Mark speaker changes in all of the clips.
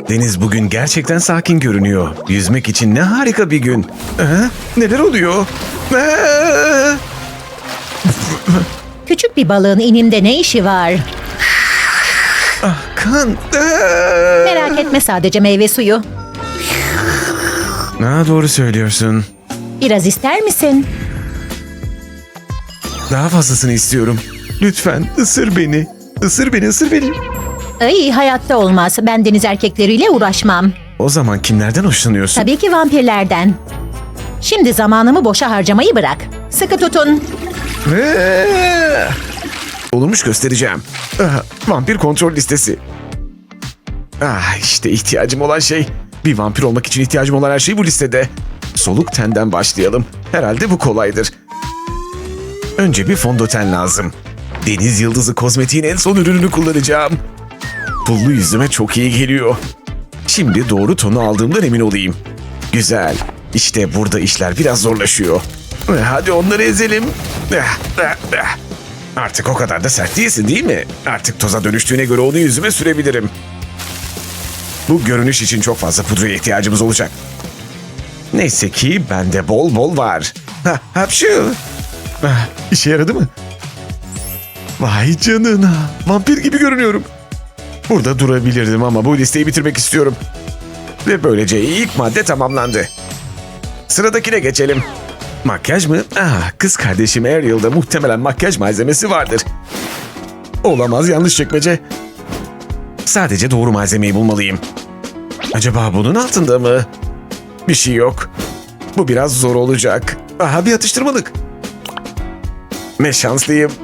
Speaker 1: Deniz bugün gerçekten sakin görünüyor. Yüzmek için ne harika bir gün. Neler oluyor?
Speaker 2: Küçük bir balığın inimde ne işi var?
Speaker 1: Kan.
Speaker 2: Merak etme, sadece meyve suyu.
Speaker 1: Doğru söylüyorsun.
Speaker 2: Biraz ister misin?
Speaker 1: Daha fazlasını istiyorum. Lütfen ısır beni. Isır beni, ısır beni.
Speaker 2: Ay, hayatta olmaz. Ben deniz erkekleriyle uğraşmam.
Speaker 1: O zaman kimlerden hoşlanıyorsun?
Speaker 2: Tabii ki vampirlerden. Şimdi zamanımı boşa harcamayı bırak. Sıkı tutun.
Speaker 1: Olurmuş, göstereceğim. Vampir kontrol listesi. İşte ihtiyacım olan şey. Bir vampir olmak için ihtiyacım olan her şey bu listede. Soluk tenden başlayalım. Herhalde bu kolaydır. Önce bir fondöten lazım. Deniz Yıldızı kozmetiğin en son ürününü kullanacağım. Pullu yüzüme çok iyi geliyor. Şimdi doğru tonu aldığımdan emin olayım. Güzel. İşte burada işler biraz zorlaşıyor. Hadi onları ezelim. Artık o kadar da sert değilsin, değil mi? Artık toza dönüştüğüne göre onu yüzüme sürebilirim. Bu görünüş için çok fazla pudraya ihtiyacımız olacak. Neyse ki bende bol bol var. Hapşu. İşe yaradı mı? Vay canına. Vampir gibi görünüyorum. Burada durabilirdim ama bu listeyi bitirmek istiyorum. Ve böylece ilk madde tamamlandı. Sıradakine geçelim. Makyaj mı? Kız kardeşim Ariel'da muhtemelen makyaj malzemesi vardır. Olamaz, yanlış çekmece. Sadece doğru malzemeyi bulmalıyım. Acaba bunun altında mı? Bir şey yok. Bu biraz zor olacak. Bir atıştırmalık. Ne şanslıyım.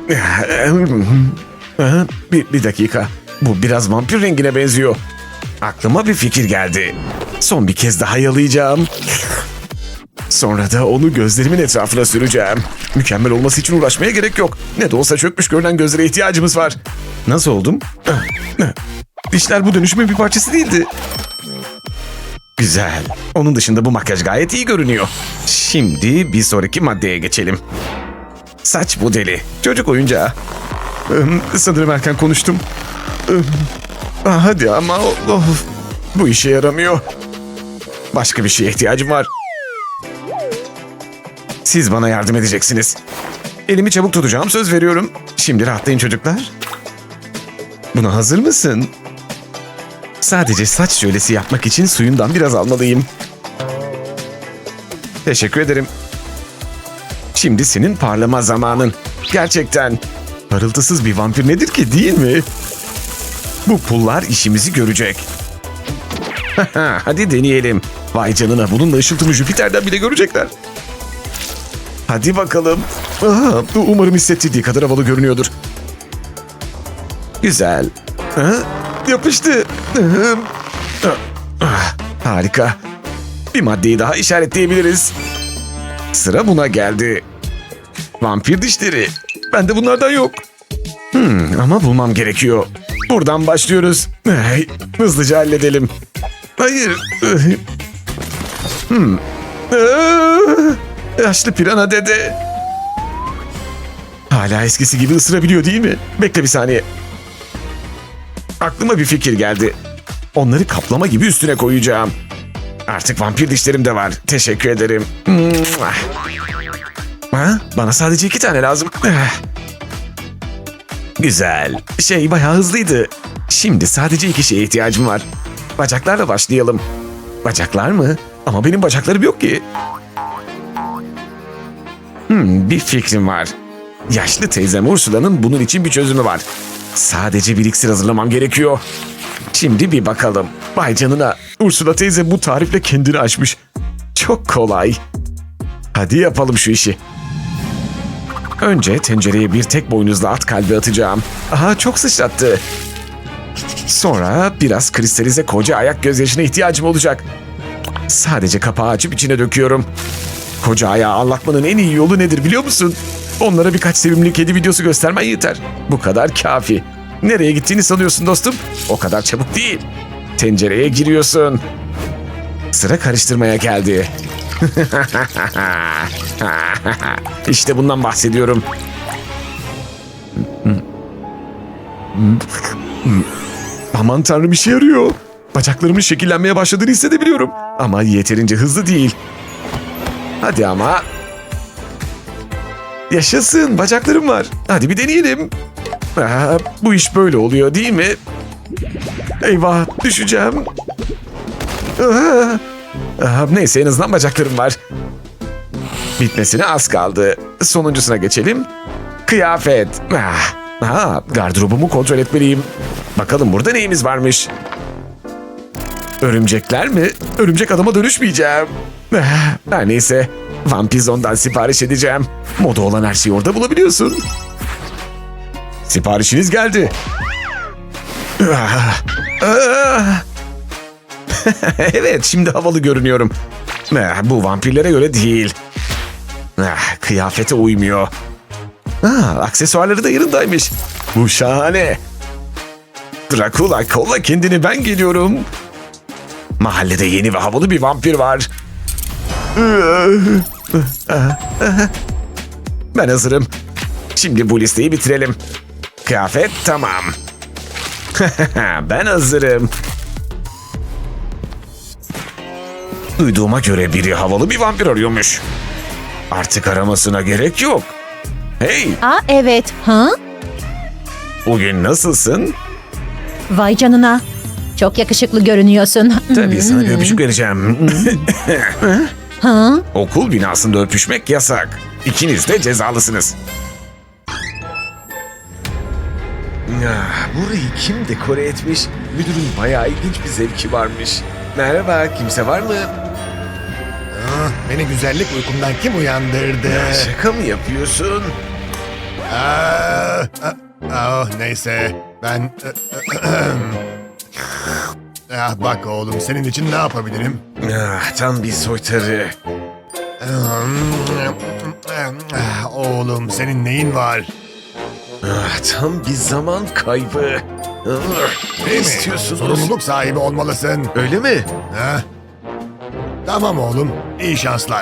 Speaker 1: Bir dakika. Bu biraz vampir rengine benziyor. Aklıma bir fikir geldi. Son bir kez daha yalayacağım. Sonra da onu gözlerimin etrafına süreceğim. Mükemmel olması için uğraşmaya gerek yok. Ne de olsa çökmüş görünen gözlere ihtiyacımız var. Nasıl oldum? Dişler bu dönüşümün bir parçası değildi. Güzel. Onun dışında bu makyaj gayet iyi görünüyor. Şimdi bir sonraki maddeye geçelim. Saç modeli. Çocuk oyuncağı. Sanırım erken konuştum. Hadi ama bu işe yaramıyor. Başka bir şeye ihtiyacım var. Siz bana yardım edeceksiniz. Elimi çabuk tutacağım, söz veriyorum. Şimdi rahatlayın çocuklar. Buna hazır mısın? Sadece saç jölesi yapmak için suyundan biraz almalıyım. Teşekkür ederim. Şimdi senin parlama zamanın. Gerçekten. Parıltısız bir vampir nedir ki, değil mi? Bu pullar işimizi görecek. Hadi deneyelim. Vay canına, bununla ışıltımı Jüpiter'den bile görecekler. Hadi bakalım. Umarım hissettirdiği kadar havalı görünüyordur. Güzel. Yapıştı. Harika. Bir maddeyi daha işaretleyebiliriz. Sıra buna geldi. Vampir dişleri. Bende bunlardan yok. Ama bulmam gerekiyor. Buradan başlıyoruz. Hızlıca halledelim. Hayır. Yaşlı pirana dede. Hala eskisi gibi ısırabiliyor, değil mi? Bekle bir saniye. Aklıma bir fikir geldi. Onları kaplama gibi üstüne koyacağım. Artık vampir dişlerim de var. Teşekkür ederim. Bana sadece 2 tane lazım. Güzel. Bayağı hızlıydı. Şimdi sadece 2 şeye ihtiyacım var. Bacaklarla başlayalım. Bacaklar mı? Ama benim bacaklarım yok ki. Bir fikrim var. Yaşlı teyzem Ursula'nın bunun için bir çözümü var. Sadece bir iksir hazırlamam gerekiyor. Şimdi bir bakalım. Vay canına, Ursula teyze bu tarifle kendini aşmış. Çok kolay. Hadi yapalım şu işi. Önce tencereye bir tek boynuzlu at kalbi atacağım. Çok sıçrattı. Sonra biraz kristalize koca ayak gözyaşına ihtiyacım olacak. Sadece kapağı açıp içine döküyorum. Koca ayağı anlatmanın en iyi yolu nedir biliyor musun? Onlara birkaç sevimli kedi videosu göstermen yeter. Bu kadar kafi. Nereye gittiğini sanıyorsun dostum? O kadar çabuk değil. Tencereye giriyorsun. Sıra karıştırmaya geldi. İşte bundan bahsediyorum. Aman tanrım, işe yarıyor. Bacaklarımın şekillenmeye başladığını hissedebiliyorum. Ama yeterince hızlı değil. Hadi ama. Yaşasın, bacaklarım var. Hadi bir deneyelim. Bu iş böyle oluyor değil mi? Eyvah, düşeceğim. Neyse, en azından bacaklarım var. Bitmesine az kaldı. Sonuncusuna geçelim. Kıyafet. Gardırobumu kontrol etmeliyim. Bakalım burada neyimiz varmış. Örümcekler mi? Örümcek adama dönüşmeyeceğim. Her neyse. Vampizon'dan sipariş edeceğim. Moda olan her şeyi orada bulabiliyorsun. Siparişiniz geldi. Evet, şimdi havalı görünüyorum. Bu vampirlere göre değil. Kıyafete uymuyor. Aksesuarları da yanındaymış. Bu şahane. Dracula, kolla kendini, ben geliyorum. Mahallede yeni ve havalı bir vampir var. Ben hazırım. Şimdi bu listeyi bitirelim. Kıyafet tamam. Ben hazırım. Duyduğuma göre biri havalı bir vampir arıyormuş. Artık aramasına gerek yok. Hey,
Speaker 2: Evet. Ha?
Speaker 1: bugün nasılsın?
Speaker 2: Vay canına. Çok yakışıklı görünüyorsun.
Speaker 1: Tabii sana bir öpücük vereceğim.
Speaker 2: Ha?
Speaker 1: Okul binasında öpüşmek yasak. İkiniz de cezalısınız. Burayı kim dekore etmiş? Müdürün bayağı ilginç bir zevki varmış. Merhaba, kimse var mı?
Speaker 3: Beni güzellik uykumdan kim uyandırdı?
Speaker 1: Şaka mı yapıyorsun?
Speaker 3: Neyse ben... bak oğlum, senin için ne yapabilirim?
Speaker 1: Tam bir soytarı.
Speaker 3: Oğlum, senin neyin var?
Speaker 1: Tam bir zaman kaybı. Ne
Speaker 3: Değil mi?
Speaker 1: istiyorsunuz?
Speaker 3: Sorumluluk sahibi olmalısın.
Speaker 1: Öyle mi?
Speaker 3: Ha? Tamam oğlum, iyi şanslar.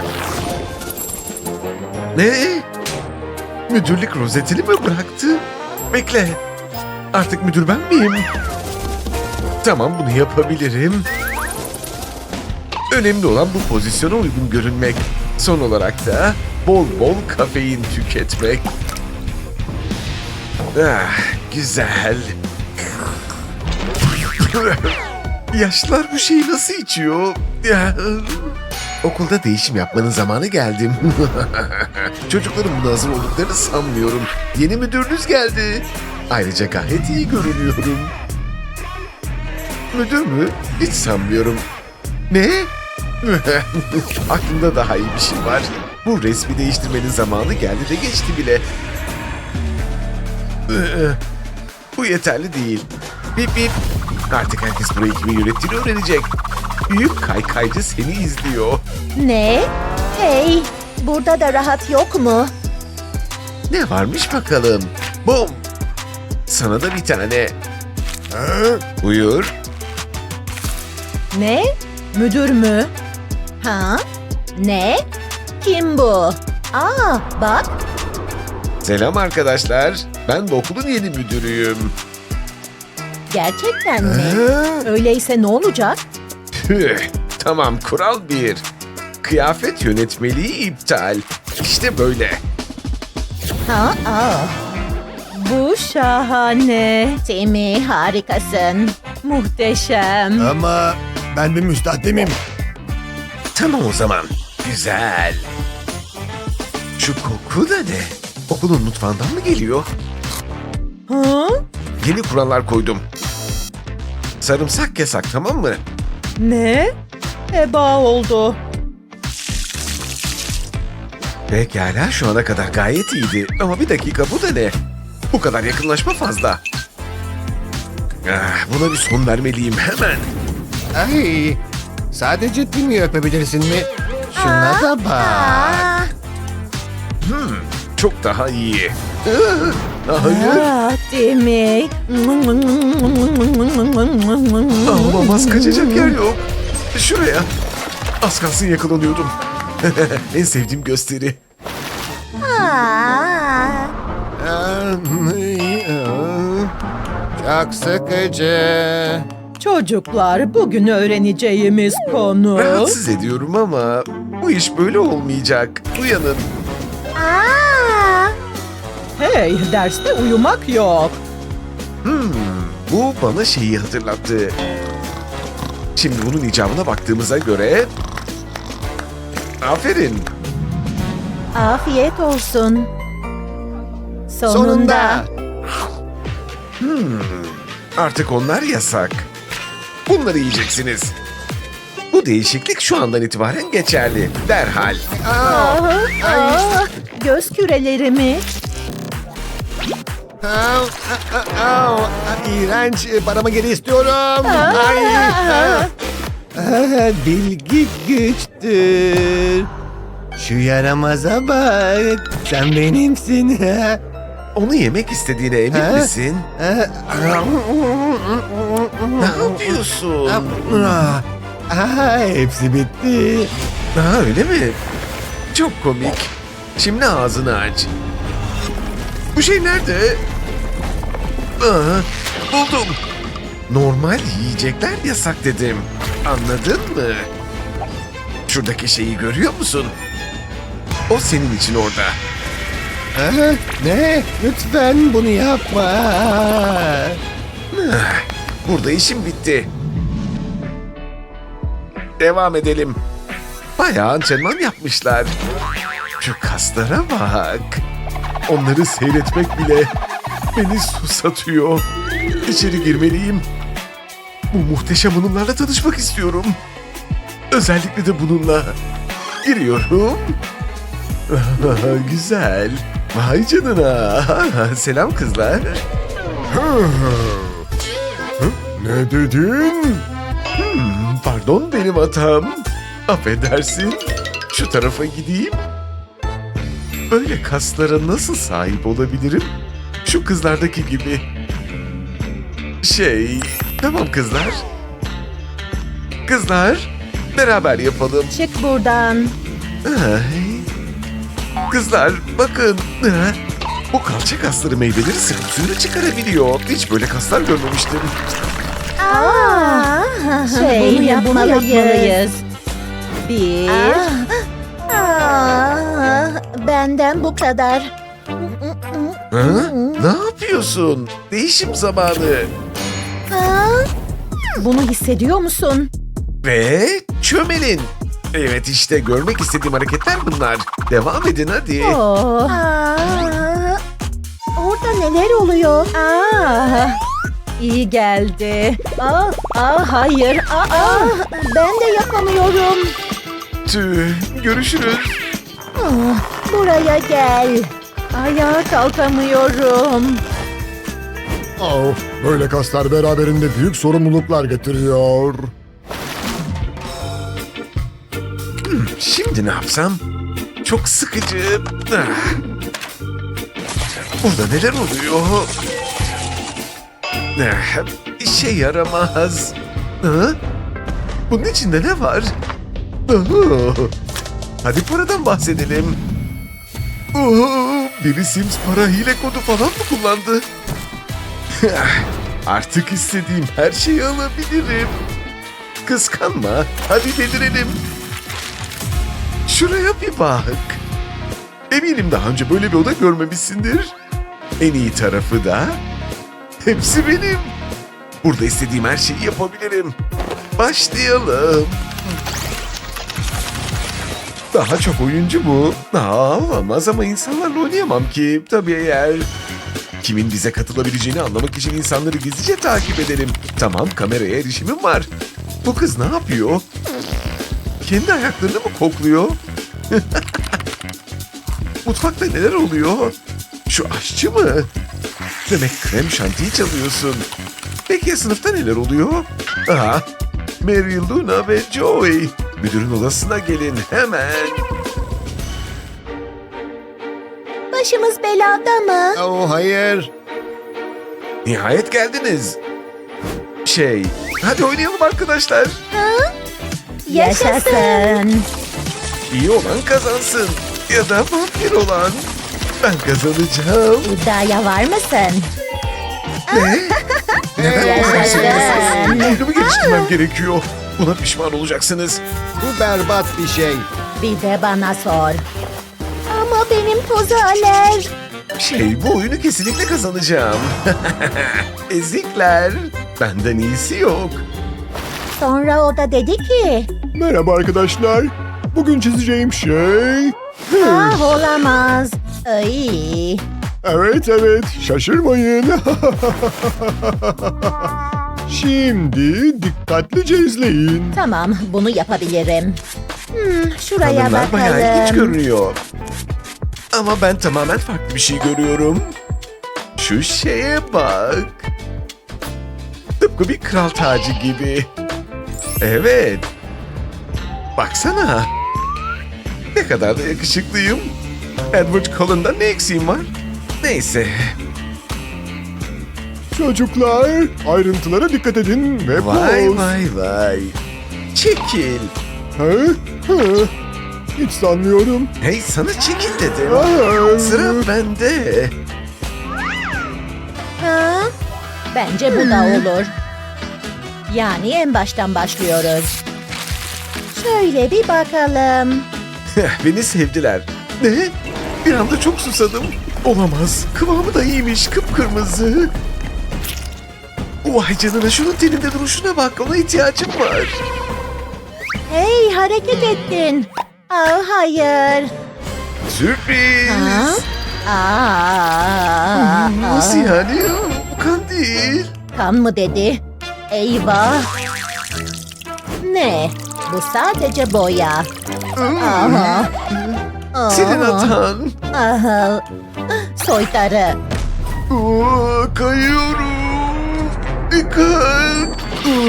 Speaker 1: Ne? Müdürlük rozetini mi bıraktı? Bekle. Artık müdür ben miyim? Tamam, bunu yapabilirim. Önemli olan bu pozisyona uygun görünmek. Son olarak da bol bol kafein tüketmek. Güzel. Yaşlılar bu şeyi nasıl içiyor? Okulda değişim yapmanın zamanı geldi. Çocukların buna hazır olduklarını sanmıyorum. Yeni müdürünüz geldi. Ayrıca gayet iyi görünüyorum. Müdür mü? Hiç sanmıyorum. Ne? Aklımda daha iyi bir şey var. Bu resmi değiştirmenin zamanı geldi de geçti bile. Bu yeterli değil. Bip bip. Artık herkes burayı kimin yönettiğini öğrenecek. Büyük kaykaycı seni izliyor.
Speaker 2: Ne? Hey, burada da rahat yok mu?
Speaker 1: Ne varmış bakalım? Bom! Sana da bir tane. Buyur.
Speaker 2: Ne? Müdür mü? Ha? Ne? Kim bu? Bak.
Speaker 1: Selam arkadaşlar. Ben de okulun yeni müdürüyüm.
Speaker 2: Gerçekten mi? Öyleyse ne olacak?
Speaker 1: Püh, tamam, kural 1. Kıyafet yönetmeliği iptal. İşte böyle.
Speaker 2: Bu şahane. Timmy, harikasın. Muhteşem.
Speaker 3: Ama ben bir müstahdimim.
Speaker 1: Tamam o zaman. Güzel. Şu koku da ne? Okulun mutfağından mı geliyor?
Speaker 2: Ha?
Speaker 1: Yeni kurallar koydum. Sarımsak yasak, tamam mı?
Speaker 2: Ne? Heba oldu.
Speaker 1: Pekala, şu ana kadar gayet iyiydi. Ama bir dakika, bu da ne? Bu kadar yakınlaşma fazla. Buna bir son vermeliyim hemen.
Speaker 3: Ay, sadece Timmy'yi öpebilirsin mi? Şuna da bak.
Speaker 1: Çok daha iyi. Hayır.
Speaker 2: Timmy.
Speaker 1: Olamaz, kaçacak yer yok. Şuraya. Az kalsın yakalanıyordum. En sevdiğim gösteri.
Speaker 3: Çok sıkıcı.
Speaker 4: Çocuklar, bugün öğreneceğimiz konu...
Speaker 5: Rahatsız ediyorum ama bu iş böyle olmayacak. Uyanın.
Speaker 4: Hey, derste uyumak yok.
Speaker 5: Bu bana şeyi hatırlattı. Şimdi bunun icabına baktığımıza göre... Aferin.
Speaker 2: Afiyet olsun.
Speaker 3: Sonunda.
Speaker 5: Artık onlar yasak. Bunları yiyeceksiniz. Bu değişiklik şu andan itibaren geçerli. Derhal.
Speaker 2: Göz kürelerimi.
Speaker 3: İğrenç. Paramı geri istiyorum. Ay. Bilgi güçtür. Şu yaramaza bak. Sen benimsin.
Speaker 5: Onu yemek istediğine emin misin? Ne yapıyorsun?
Speaker 3: Hepsi bitti.
Speaker 5: Ha, öyle mi? Çok komik. Şimdi ağzını aç. Bu şey nerede? Aa, buldum. Normal yiyecekler yasak dedim. Anladın mı? Şuradaki şeyi görüyor musun? O senin için orada.
Speaker 3: Ne? Lütfen bunu yapma.
Speaker 5: Burada işim bitti. Devam edelim. Bayağı antrenman yapmışlar. Şu kaslara bak. Onları seyretmek bile beni susatıyor. İçeri girmeliyim. Bu muhteşem hanımlarla tanışmak istiyorum. Özellikle de bununla. Giriyorum. Güzel. Vay canına. Selam kızlar.
Speaker 3: Ne dedin?
Speaker 5: Pardon, benim hatam. Affedersin. Şu tarafa gideyim. Böyle kaslara nasıl sahip olabilirim? Şu kızlardaki gibi. Tamam kızlar. Kızlar, beraber yapalım.
Speaker 2: Çık buradan.
Speaker 5: Ay. Kızlar, bakın. Bu kalça kasları meyveleri sıkıp suyunu çıkarabiliyor. Hiç böyle kaslar görmemiştim.
Speaker 2: Bunu yapmalıyız. Bir. Benden bu kadar.
Speaker 5: Ha? Ne yapıyorsun? Değişim zamanı.
Speaker 2: Bunu hissediyor musun?
Speaker 5: Ve çömelin. Evet, işte görmek istediğim hareketler bunlar. Devam edin hadi.
Speaker 2: Oh. Orada neler oluyor? İyi geldi. Hayır. Ben de yapamıyorum.
Speaker 5: Tüh, görüşürüz.
Speaker 2: Buraya gel. Ayağa kalkamıyorum.
Speaker 3: Böyle kaslar beraberinde büyük sorumluluklar getiriyor.
Speaker 5: Şimdi ne yapsam? Çok sıkıcı. Burada neler oluyor? İşe yaramaz. Bunun içinde ne var? Hadi paradan bahsedelim. Biri Sims para hile kodu falan mı kullandı? Artık istediğim her şeyi alabilirim. Kıskanma, hadi delirelim. Şuraya bir bak. Eminim daha önce böyle bir oda görmemişsindir. En iyi tarafı da hepsi benim. Burada istediğim her şeyi yapabilirim. Başlayalım. Daha çok oyuncu bu. Olamaz ama insanlarla oynayamam ki. Tabii eğer... Kimin bize katılabileceğini anlamak için insanları gizlice takip edelim. Tamam, kameraya erişimim var. Bu kız ne yapıyor? Kendi ayaklarını mı kokluyor? Mutfakta neler oluyor? Şu aşçı mı? Demek krem şantiyi çalıyorsun. Peki ya sınıfta neler oluyor? Mary, Luna ve Joey. Müdürün odasına gelin hemen.
Speaker 2: Başımız belada mı?
Speaker 3: Hayır.
Speaker 5: Nihayet geldiniz. Hadi oynayalım arkadaşlar.
Speaker 2: Yaşasın.
Speaker 5: İyi olan kazansın. Ya da vampir olan. Ben kazanacağım.
Speaker 2: İddiaya var mısın? Yaşasın.
Speaker 5: Oyunumu geliştirmem gerekiyor. Buna pişman olacaksınız.
Speaker 6: Bu berbat bir şey.
Speaker 2: Bir de bana sor. Ama benim toza aler.
Speaker 5: Bu oyunu kesinlikle kazanacağım. Ezikler. Benden iyisi yok.
Speaker 2: Sonra o da dedi ki...
Speaker 3: Merhaba arkadaşlar. Bugün çizeceğim şey...
Speaker 2: Ah olamaz. Ay.
Speaker 3: Evet, şaşırmayın. Şimdi dikkatlice izleyin.
Speaker 2: Tamam, bunu yapabilirim. Şuraya
Speaker 5: Kadınlar bayağı ilginç
Speaker 2: bakalım.
Speaker 5: görünüyor. Ama ben tamamen farklı bir şey görüyorum. Şu şeye bak. Tıpkı bir kral tacı gibi. Evet. Baksana. Ne kadar da yakışıklıyım. Edward Cullen'dan ne eksiğim var? Neyse.
Speaker 3: Çocuklar, ayrıntılara dikkat edin ve
Speaker 5: Vay
Speaker 3: poz.
Speaker 5: vay. Çekil.
Speaker 3: Hiç sanmıyorum.
Speaker 5: Hey, sana çekil dedim.
Speaker 3: Aa,
Speaker 5: Sıra bende.
Speaker 2: Ha? Bence bu da olur. Yani en baştan başlıyoruz. Şöyle bir bakalım.
Speaker 5: Beni sevdiler. Ne? Bir anda çok susadım. Olamaz. Kıvamı da iyiymiş. Kıpkırmızı. Vay canına, şunun teninde duruşuna bak. Ona ihtiyacım var.
Speaker 2: Hey, hareket ettin. Aa, hayır.
Speaker 5: Sürpriz. Nasıl
Speaker 2: Aa,
Speaker 5: yani? Bu kan değil.
Speaker 2: kan mı dedi? Eyvah. Ne? Bu sadece boya. Aha.
Speaker 5: Senin
Speaker 2: Aha.
Speaker 5: hatan.
Speaker 2: Aha. Soytarı.
Speaker 5: Kayıyorum. Dikkat.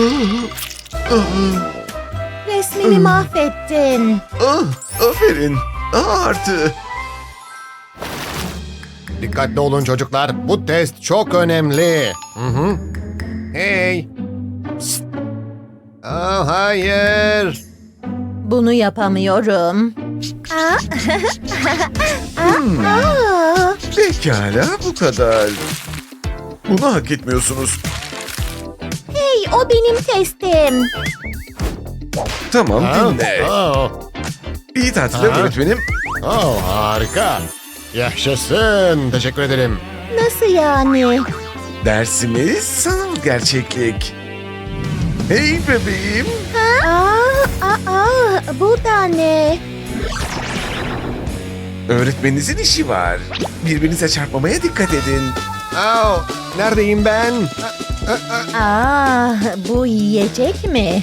Speaker 2: Resmimi mahvettin.
Speaker 5: Aferin. Artı.
Speaker 6: Dikkatli olun çocuklar. Bu test çok önemli. Hey. Psst. Hayır.
Speaker 2: Bunu yapamıyorum. Aa.
Speaker 5: Pekala, bu kadar. Bunu hak etmiyorsunuz.
Speaker 2: Hey, o benim testim.
Speaker 5: Tamam, dinle. İyi tatiller
Speaker 6: Aha.
Speaker 5: öğretmenim.
Speaker 6: Harika. Yaşasın. Teşekkür ederim.
Speaker 2: Nasıl yani?
Speaker 5: Dersimiz sanal gerçeklik. Hey bebeğim.
Speaker 2: Bu da ne?
Speaker 5: Öğretmeninizin işi var. Birbirinize çarpmamaya dikkat edin.
Speaker 6: Neredeyim ben?
Speaker 2: Bu yiyecek mi?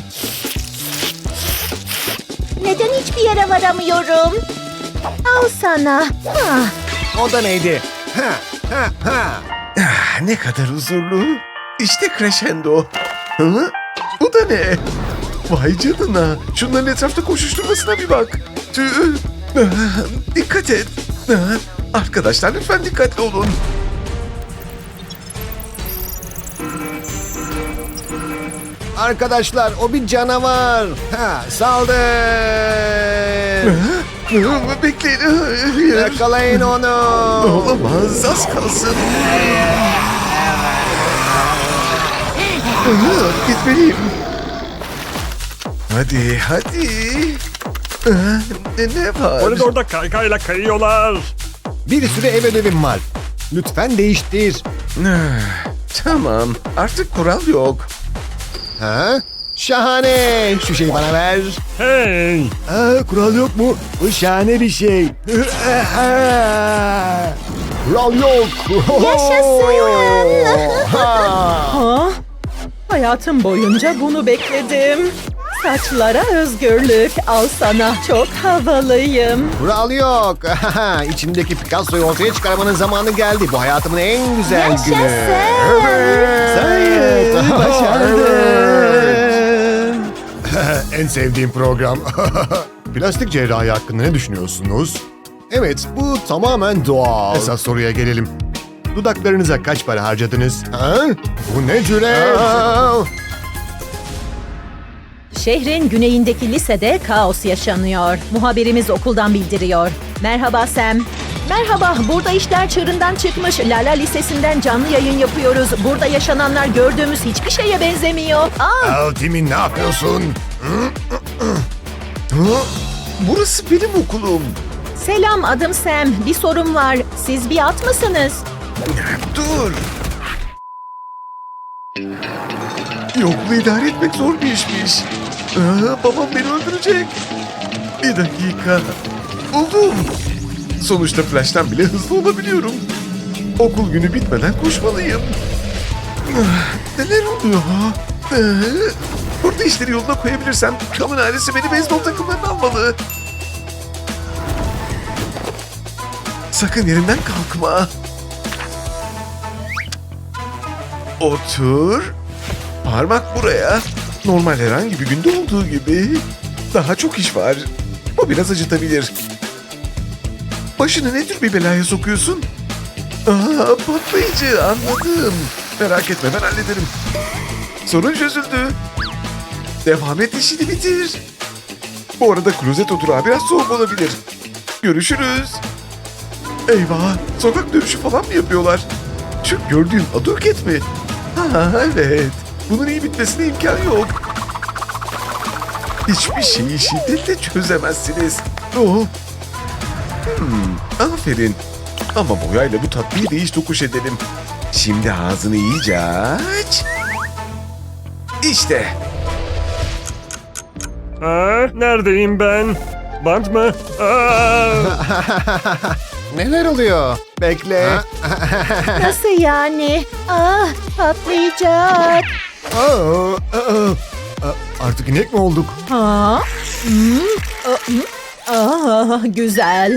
Speaker 2: Neden hiçbir yere varamıyorum? Al sana.
Speaker 6: O da neydi?
Speaker 5: Ne kadar huzurlu. İşte crescendo. Hı? Bu da ne? Vay canına. Şunların etrafta koşuşturmasına bir bak. Dikkat et. Arkadaşlar lütfen dikkatli olun.
Speaker 6: Arkadaşlar o bir canavar. Saldır.
Speaker 5: Bekleyin. Hayır.
Speaker 6: Yakalayın onu.
Speaker 5: Olamaz. Az kalsın. Gitmeliyim. Hadi. Ne var?
Speaker 7: Koridorda kaykayla kayıyorlar.
Speaker 6: Bir sürü ev ödevim var. Lütfen değiştir.
Speaker 5: Tamam. Artık kural yok.
Speaker 6: Şahane. Şu şeyi bana ver.
Speaker 7: Hey!
Speaker 6: Kural yok mu? Bu şahane bir şey. Kural yok.
Speaker 4: Ha? Hayatım boyunca bunu bekledim. Saçlara özgürlük. Al sana. Çok havalıyım.
Speaker 6: Kural yok. İçimdeki Picasso'yu ortaya çıkarmanın zamanı geldi. Bu hayatımın en güzel günü.
Speaker 2: Yaşasın.
Speaker 6: Evet. Başardım.
Speaker 3: En sevdiğim program. Plastik cerrahi hakkında ne düşünüyorsunuz? Evet, bu tamamen doğal. Esas soruya gelelim. Dudaklarınıza kaç para harcadınız? Bu ne cüret?
Speaker 2: Şehrin güneyindeki lisede kaos yaşanıyor. Muhabirimiz okuldan bildiriyor. Merhaba Sam. Merhaba, burada işler çığırından çıkmış. Lala Lisesi'nden canlı yayın yapıyoruz. Burada yaşananlar gördüğümüz hiçbir şeye benzemiyor.
Speaker 3: Timmy ne yapıyorsun?
Speaker 5: Burası benim okulum.
Speaker 2: Selam, adım Sam. Bir sorum var. Siz bir at mısınız?
Speaker 5: Dur. Yokluğu idare etmek zor bir işmiş. Babam beni öldürecek. Bir dakika. Buldum. Sonuçta Flash'tan bile hızlı olabiliyorum. Okul günü bitmeden koşmalıyım. Neler oluyor? Burada işleri yoluna koyabilirsem Kam'ın ailesi beni beyzbol takımlarına almalı. Sakın yerinden kalkma. Otur. Parmak buraya. Normal herhangi bir günde olduğu gibi. Daha çok iş var. Bu biraz acıtabilir. Başını ne tür bir belaya sokuyorsun? Patlayıcı, anladım. Merak etme, ben hallederim. Sorun çözüldü. Devam et, işini bitir. Bu arada klozet oturağı biraz soğuk olabilir. Görüşürüz. Eyvah, sokak dövüşü falan mı yapıyorlar? Şu gördüğün aduket mi? Ha evet, bunun iyi bitmesine imkan yok. Hiçbir şeyi şiddetle çözemezsiniz. Oh. Aferin. Ama boyayla bu tatlıyı değiş tokuş edelim. Şimdi ağzını iyice aç. İşte.
Speaker 7: Neredeyim ben? Bant mı?
Speaker 6: Neler oluyor? Bekle.
Speaker 2: Nasıl yani? Patlayacak.
Speaker 3: Artık inek mi olduk?
Speaker 2: Güzel.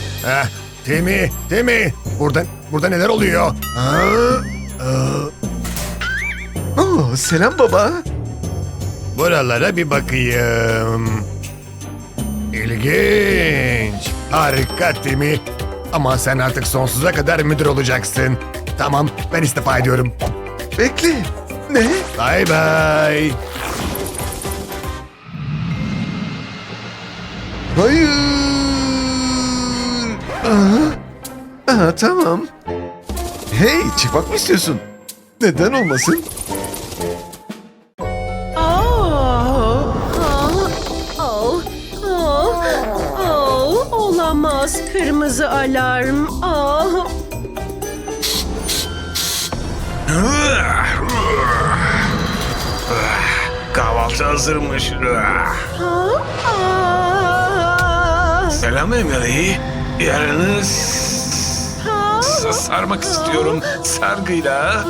Speaker 3: Timmy, burada neler oluyor?
Speaker 5: Selam baba.
Speaker 3: Buralara bir bakayım. İlginç. Harika Timmy. Ama sen artık sonsuza kadar müdür olacaksın. Tamam, ben istifa ediyorum.
Speaker 5: Bekle. Ne?
Speaker 3: Bye bye.
Speaker 5: Hayır. Tamam. Hey, çıkmak mı istiyorsun? Neden olmasın?
Speaker 4: Olamaz. Kırmızı alarm.
Speaker 1: Kahvaltı hazırmış. Selam Emily. Yarını sarmak istiyorum sargıyla.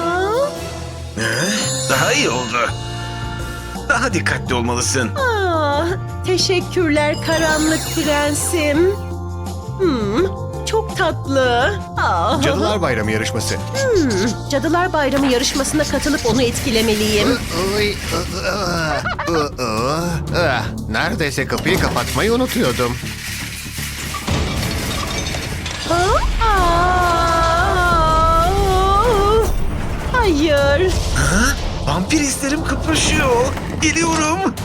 Speaker 1: Daha iyi oldu. Daha dikkatli olmalısın.
Speaker 4: Teşekkürler karanlık prensim. Çok tatlı.
Speaker 3: Cadılar Bayramı yarışması.
Speaker 4: Cadılar Bayramı yarışmasına katılıp onu etkilemeliyim.
Speaker 6: Neredeyse kapıyı kapatmayı unutuyordum.
Speaker 4: Hayır.
Speaker 1: Vampir hislerim kıpırşıyor. Geliyorum.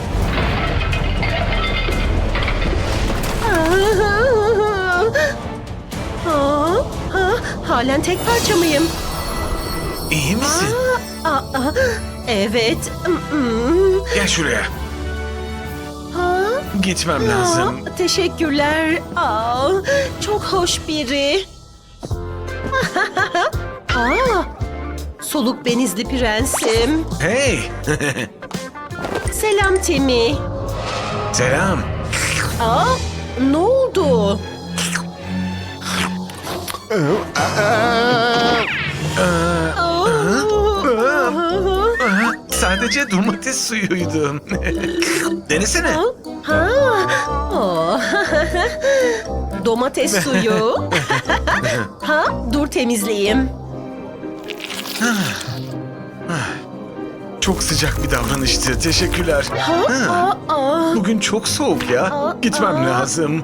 Speaker 4: Halen tek parça mıyım?
Speaker 1: İyi misin?
Speaker 4: Evet.
Speaker 1: Gel şuraya. Gitmem lazım.
Speaker 4: Teşekkürler. Çok hoş biri. Soluk benizli prensim.
Speaker 1: Hey.
Speaker 4: Selam Timmy.
Speaker 1: Selam.
Speaker 4: Ne oldu?
Speaker 1: Sadece domates suyuydu. Denesene.
Speaker 4: Domates suyu. Dur temizleyeyim.
Speaker 1: Çok sıcak bir davranıştı. Teşekkürler. Bugün çok soğuk ya. Gitmem lazım.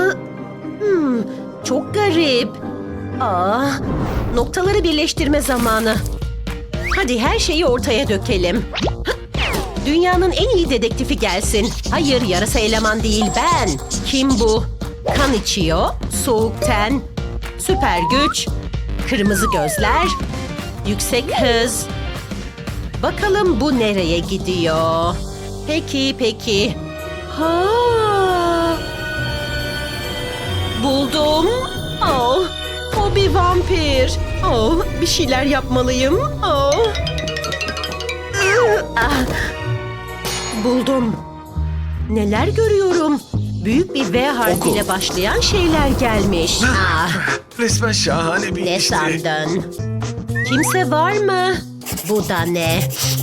Speaker 4: Çok garip. Noktaları birleştirme zamanı. Hadi her şeyi ortaya dökelim. Dünyanın en iyi dedektifi gelsin. Hayır, yarasa eleman değil ben. Kim bu? Kan içiyor, soğuk ten. Süper güç, kırmızı gözler, yüksek hız. Bakalım bu nereye gidiyor? Peki. Ha! Buldum. Oh, o bir vampir. Oh, bir şeyler yapmalıyım. Oh. Ah. Buldum. Neler görüyorum? Büyük bir V harfiyle başlayan şeyler gelmiş. Ah,
Speaker 5: Resmen şahane bir
Speaker 4: ne
Speaker 5: işti.
Speaker 4: sandın? Kimse var mı? Bu da ne?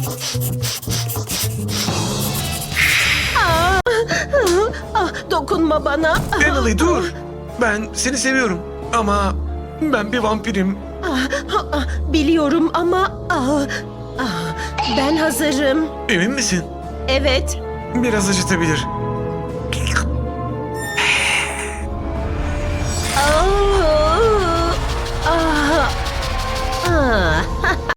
Speaker 4: Dokunma bana.
Speaker 5: Emily dur. Ben seni seviyorum. Ama ben bir vampirim.
Speaker 4: Biliyorum ama ben hazırım.
Speaker 5: Emin misin?
Speaker 4: Evet.
Speaker 5: Biraz acıtabilir.
Speaker 4: Aa,